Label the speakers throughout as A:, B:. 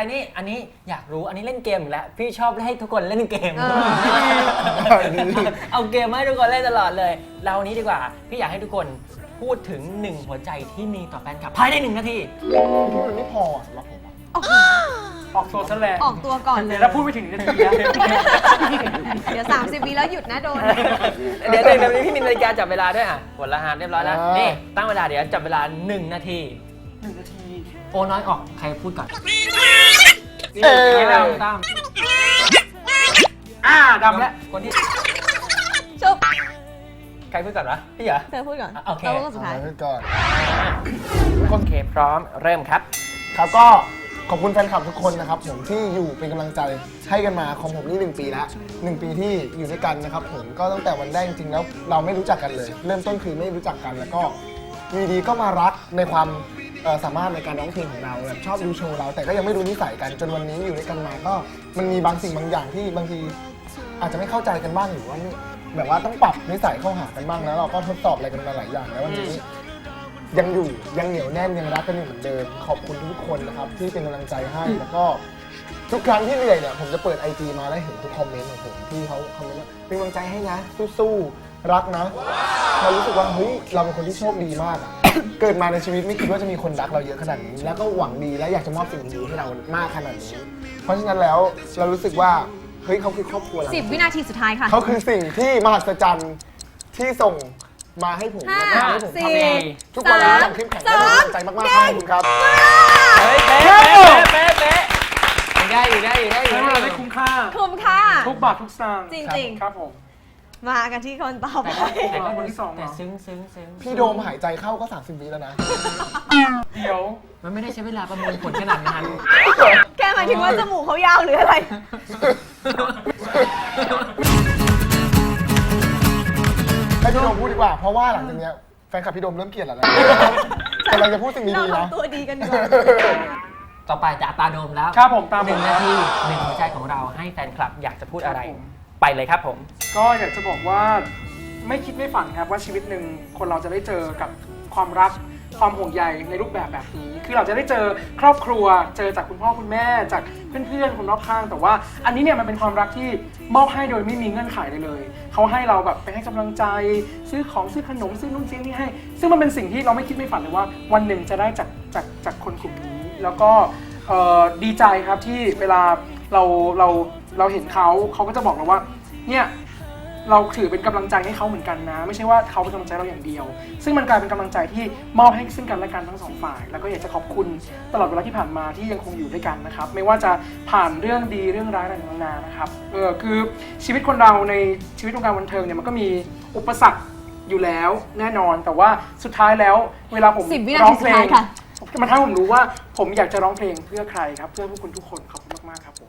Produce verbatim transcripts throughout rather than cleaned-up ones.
A: นี่อันนี้อยากรู้อันนี้เล่นเกมอีกแล้วพี่ชอบให้ทุกคนเล่นเกมเอาเกมมาให้ทุกคนเล่นตลอดเลยเรานี้ดีกว่าพี่อยากให้ทุกคนพูดถึงหนึ่งหัวใจที่มีต่อแฟนคลับภายในหนึ่งนาที
B: มันไม่พอสำหรับผม
C: ออกตัวซะแล้ว
D: ออกตัวก่อนเลย
C: แล้วพูดไปถึงนาทีแล้ว
D: เดี๋ยวสามสิบวิแล้วหยุดนะโดน
A: เดี๋ยวเดี๋ยวพี่มีนาฬิกาจับเวลาด้วยอ่ะกดรหัสเรียบร้อยแล้วนี่ตั้งเวลาเดี๋ยวจับเวลาหนึ่งนาที
C: หนึ่งนาที
A: โอ้น้อยออกใครพูดก่อน
C: เออดำดำอ่าดำแล้ว
A: คนที่
D: จบ
A: ใครพูดก่อนวะพี่เหรอ
D: เธอพูดก่อน
A: โอเค
D: เราพูดสุดท้าย
B: พูดก่อน
A: โอเคพร้อมเริ่มครับ
B: ครับก็ขอบคุณแฟนคลับทุกคนนะครับผมที่อยู่เป็นกำลังใจให้กันมาของผมนี่หนึ่งปีแล้วหนึ่งปีที่อยู่ด้วยกันนะครับผมก็ตั้งแต่วันแรกจริงๆแล้วเราไม่รู้จักกันเลยเริ่มต้นคือไม่รู้จักกันแล้วก็วีดีก็มารักในความสามารถในการร้องเพลงของเราแบบชอบดูโชว์เราแต่ก็ยังไม่รู้นิสัยกันจนวันนี้อยู่ด้วยกันมาก็มันมีบางสิ่งบางอย่างที่บางทีอาจจะไม่เข้าใจกันบ้างหรือว่าแบบว่าต้องปรับนิสัยเข้าหากันบ้างแล้วเราก็ทดสอบอะไรกันมาหลายอย่างแล้ววันนี้ยังอยู่ยังเหนียวแน่นยังรักกันอยู่เหมือนเดิมขอบคุณทุกคนนะครับที่เป็นกำลังใจให้แล้วก็ทุกครั้งที่เหนื่อยเนี่ยผมจะเปิด ไอ จี มาแล้วเห็นทุกคอมเมนต์ของผมที่เขาคอมเมนต์ว่าเป็นกำลังใจให้นะสู้ๆรักนะเรารู้สึกว่าเฮ้ยเราเป็นคนที่โชคดีมาก เกิดมาในชีวิตไม่คิดว่าจะมีคนรักเราเยอะขนาดนี้แล้วก็หวังดีและอยากจะมอบสิ่งดีให้เรามากขนาดนี้เพราะฉะนั้นแล้วเรารู้สึกว่าเฮ้ยเขาคือครอบครัวเรา
D: สิบวินาทีสุดท้ายค่ะ
B: เขาคือสิ่งที่มหัศจรรย์ที่ส่งมาให้ผมและทำให้ผมทำเองทุกวันนี้ยังเข้มแข็งและมีกำลังใจมากๆขอบคุณครับ
A: เฮ้ยเป๊ะเป๊ะเป๊ะได้อยู่ได้อยู่ได้อยู่
C: เราได้คุ้มค่า
D: คุ้มค่า
C: ทุกบาททุกสตางค์
D: จริงๆ
C: ครับผม
D: มากันที่คนต่อไป
C: แต่ก็คนที่สอง
A: แต่ซึ้งซึ้งซึ้ง
B: พี่โดมหายใจเข้าก็สามสิบวิแล้วนะ
C: เดี๋ยว
A: มันไม่ได้ใช้เวลาประมวลผลขนาดนั้น
D: แค่หมายถึงว่าจมูกเขายาวหรืออะไร
B: ให้พี่โดมพูดดีกว่าเพราะว่าหลังจากนี้แฟนคลับพี่โดมเริ่มเกลียดแล้วแต่เราจะพูดสิ่งดีๆนะ
D: ตัวดีกันดีกว่า
A: ต่อไปจะตาโดมแล้ว
C: ครับผมตาม
A: หนึ่งนาทีหนึ่งหัวใจของเราให้แฟนคลับอยากจะพูดอะไรไปเลยครับผม
C: ก็อยากจะบอกว่าไม่คิดไม่ฝันครับว่าชีวิตหนึ่งคนเราจะได้เจอกับความรักความห่วงใยในรูปแบบแบบนี้คือเราจะได้เจอครอบครัวเจอจากคุณพ่อคุณแม่จากเพื่อนๆคนรอบข้างแต่ว่าอันนี้เนี่ยมันเป็นความรักที่มอบให้โดยไม่มีเงื่อนไขเลยเลยเขาให้เราแบบไปให้กำลังใจซื้อของซื้อขนมซื้อนู่นซื้อนี่ให้ซึ่งมันเป็นสิ่งที่เราไม่คิดไม่ฝันเลยว่าวันหนึ่งจะได้จากจากจากคนกลุ่มนี้แล้วก็ดีใจครับที่เวลาเราเราเราเห็นเขาเขาก็จะบอกเราว่าเนี่ยเราถือเป็นกำลังใจให้เขาเหมือนกันนะไม่ใช่ว่าเขาเป็นกำลังใจเราอย่างเดียวซึ่งมันกลายเป็นกำลังใจที่มอบให้ซึ่งกันและกันทั้งสองฝ่ายแล้วก็อยากจะขอบคุณตลอดเวลาที่ผ่านมาที่ยังคงอยู่ด้วยกันนะครับไม่ว่าจะผ่านเรื่องดีเรื่องร้ายอะไรต่างๆนะครับเออคือชีวิตคนเราในชีวิตวงการบันเทิงเนี่ยมันก็มีอุปสรรคอยู่แล้วแน่นอนแต่ว่าสุดท้ายแล้วเวลาผมร้องเพลงมันทำให้ผมรู้ว่าผมอยากจะร้องเพลงเพื่อใครครับเพื่อพวกคุณทุกคนขอบคุณมากๆครับผม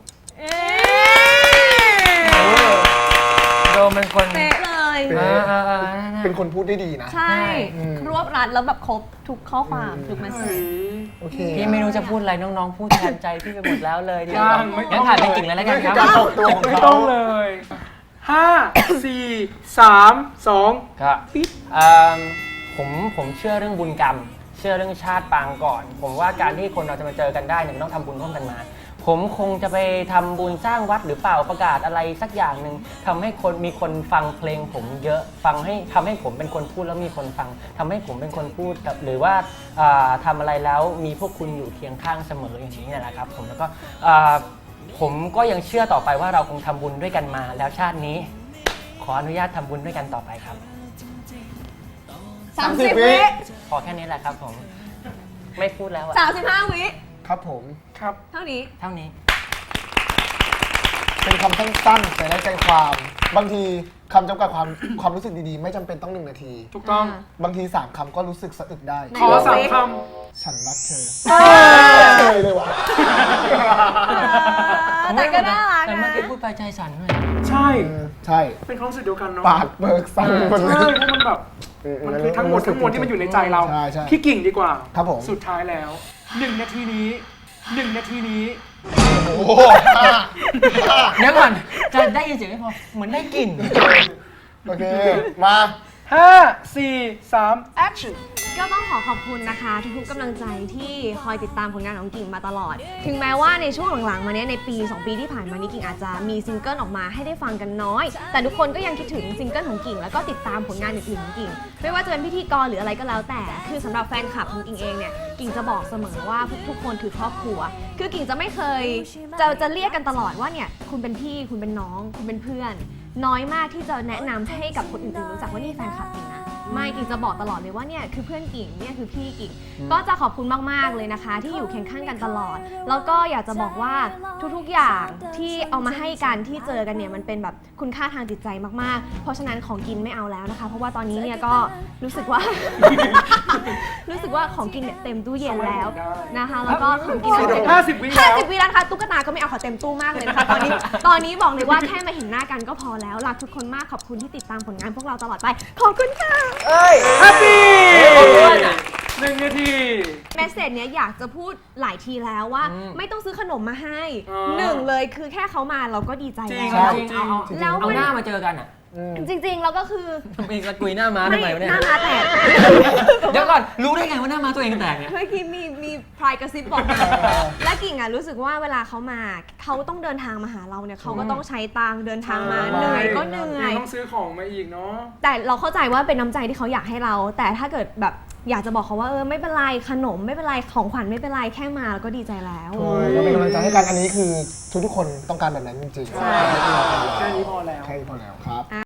A: โดมเป็นคน
D: เป๊ะเลย
B: เป็นคนพูดได้ดีนะ
D: ใช่รวบรัดแล้วแบบครบทุกข้อความทุกเมสเซจ
A: พี่ไม่รู้จะพูดอะไรน้องๆพูดแทนใจพี่ไปหมดแล้วเลยเดี๋ยวงั้นถ่ายเป็นกิ่งเลยแล้วกันครับ
C: ไม่ต้องเลยห้าสี่สามสอง
A: ครับผมผมเชื่อเรื่องบุญกรรมเชื่อเรื่องชาติปางก่อนผมว่าการที่คนเราจะมาเจอกันได้เนี่ยต้องทำบุญร่วมกันมาผมคงจะไปทำบุญสร้างวัดหรือเปล่าประกาศอะไรสักอย่างหนึ่งทำให้คนมีคนฟังเพลงผมเยอะฟังให้ทำให้ผมเป็นคนพูดแล้วมีคนฟังทำให้ผมเป็นคนพูดหรือว่าทำอะไรแล้วมีพวกคุณอยู่เคียงข้างเสมออย่างนี้แหละครับผมแล้วก็ผมก็ยังเชื่อต่อไปว่าเราคงทำบุญด้วยกันมาแล้วชาตินี้ขออนุญาตทำบุญด้วยกันต่อไปครับ
D: สามสิบวิ
A: พอแค่นี้แหละครับผมไม่พูดแล้วอะ
D: สามสิบห้าวิ
B: ครับผม
C: ครับ
D: เท่านี้
A: เท่านี้
B: เป็นคำสั้นๆแต่ได้ใจความบางทีคำจำกัดความความรู้สึกดีๆไม่จำเป็นต้องหนึ่งนาที
C: ถูกต้อง
B: บางทีสามคำก็รู้สึกสะอึกได้
C: ขอสามค
B: ำฉันรักเธอเลยเลยวะ
D: แต่ก็น่ารัก
A: แต่
D: นะ
A: เมื่อกี้พูดไปใจสั่นด้วย
C: ใช่
B: ใช่
C: เป็นความรู้สึกเดียวกันเนาะ
B: ปากเบิกสั่นหมดเลย
C: ใช่เพราะมันแบบมันคือทั้งหมดทั้งมวลที่มันอยู่ในใจเราพี่กิ่งดีกว่า
B: ครับผม
C: สุดท้ายแล้วหนึ่งนาทีนี้หนึ่งนาทีนี้
B: โอ้โห
A: เดี๋ยวก่อนจะได้ยินเสียงไม่พอเหมือนได้กลิ่น
B: โอเคมา
C: ห้า สี่ สาม action
D: ก็ต้องขอขอบคุณนะคะ ทุกๆกำลังใจที่คอยติดตามผลงานของกิ่งมาตลอด ถึงแม้ว่าในช่วงหลังๆมาเนี้ยในปี สอง ปีที่ผ่านมานี้กิ่งอาจจะมีซิงเกิลออกมาให้ได้ฟังกันน้อย แต่ทุกคนก็ยังคิดถึงซิงเกิลของกิ่งแล้วก็ติดตามผลงานอื่นๆของกิ่งไม่ว่าจะเป็นพิธีกรหรืออะไรก็แล้วแต่คือสำหรับแฟนคลับของกิ่งเองเนี่ยกิ่งจะบอกเสมอว่าทุกๆคนคือครอบครัว คือกิ่งจะไม่เคยจะจะเรียกกันตลอดว่าเนี่ยคุณเป็นพี่คุณเป็นน้องคุณเป็นเพื่อน น้อยมากที่จะแนะนำให้กับคนอื่นๆรู้จักว่านี่แฟนคลับกิ่งนะไม่กิ่งจะบอกตลอดเลยว่าเนี่ยคือเพื่อนกิ่งเนี่ยคือพี่กิ่งก็จะขอบคุณมากๆเลยนะคะ ที่อยู่เคียงข้างกันตลอด แล้วก็อยากจะบอกว่าทุกๆอย่างที่เอามาให้กันที่เจอกันเนี่ยมันเป็นแบบคุณค่าทางจิตใจมากๆ เพราะฉะนั้นของกินไม่เอาแล้วนะคะ เพราะว่าตอนนี้เนี่ยก็รู้สึกว่า รู้สึกว่าของกินเนี่ยเต็มตู้เย็นแล้วนะคะแล้วก็ของกินเนี่ย
C: ห้าสิบวิแล้ว
D: ห้าสิบวิแล้วนะคะตุ๊กตาก็ไม่เอาขอเต็มตู้มากเลยนะคะตอนนี้ตอนนี้บอกเลยว่าแค่มาเห็นหน้ากันก็พอแล้วรักทุกคนมากขอบคุณที่ติดตามผลงานพวกเราตลอดไปขอบคุณค่ะ
A: เอ้ย
C: happy
A: ขอบคุณอ่ะ
C: หนึ่งนาที
D: เมสเซจเนี้ยอยากจะพูดหลายทีแล้วว่า
A: อืม
D: ไม่ต้องซื้อขนมมาให้
C: อ๋อ
D: หนึ่งเลยคือแค่เขามาเราก็ดีใจ
C: จริง
D: แล้ว
A: จริงเอาเอา
D: แล้ว
A: เอา
D: มัน
A: หน้ามาเจอกันอ่ะ
D: จริงๆแล้วก็คือ
A: ไปสกุยหน้าม้าทำไมวะ
D: ห
A: เนี่ย
D: น้ามาแตก
A: เดี๋ยวก่อนรู้ได้ไงว่าหน้าม้าตัวเองแตกเนี่ย
D: เมื่อกี้มีมีพรายกระซิบบอก และกิ่งอ่ะรู้สึกว่าเวลาเขามาเขาต้องเดินทางมาหาเราเนี่ยเขาก็ต้องใช้ตังค์เดินทางมา
C: ใช่
D: เหนื่อยก็เหนื่อย
C: ยังต้องซื้อของมาอีกเนาะ
D: แต่เราเข้าใจว่าเป็นน้ำใจที่เขาอยากให้เรา แต่ถ้าเกิดแบบอยากจะบอกเขาว่าเออไม่เป็นไรขนมไม่เป็นไรของขวัญไม่เป็นไรแค่มาเราก็ดีใจแล้ว
B: ก็เป็นกำลังใจให้กันอันนี้คือทุกๆคนต้องการแบบนั้นจริงๆ
D: ใช่
C: แค่นี้พอแล้ว
B: แค่นี้พอแล้วครับ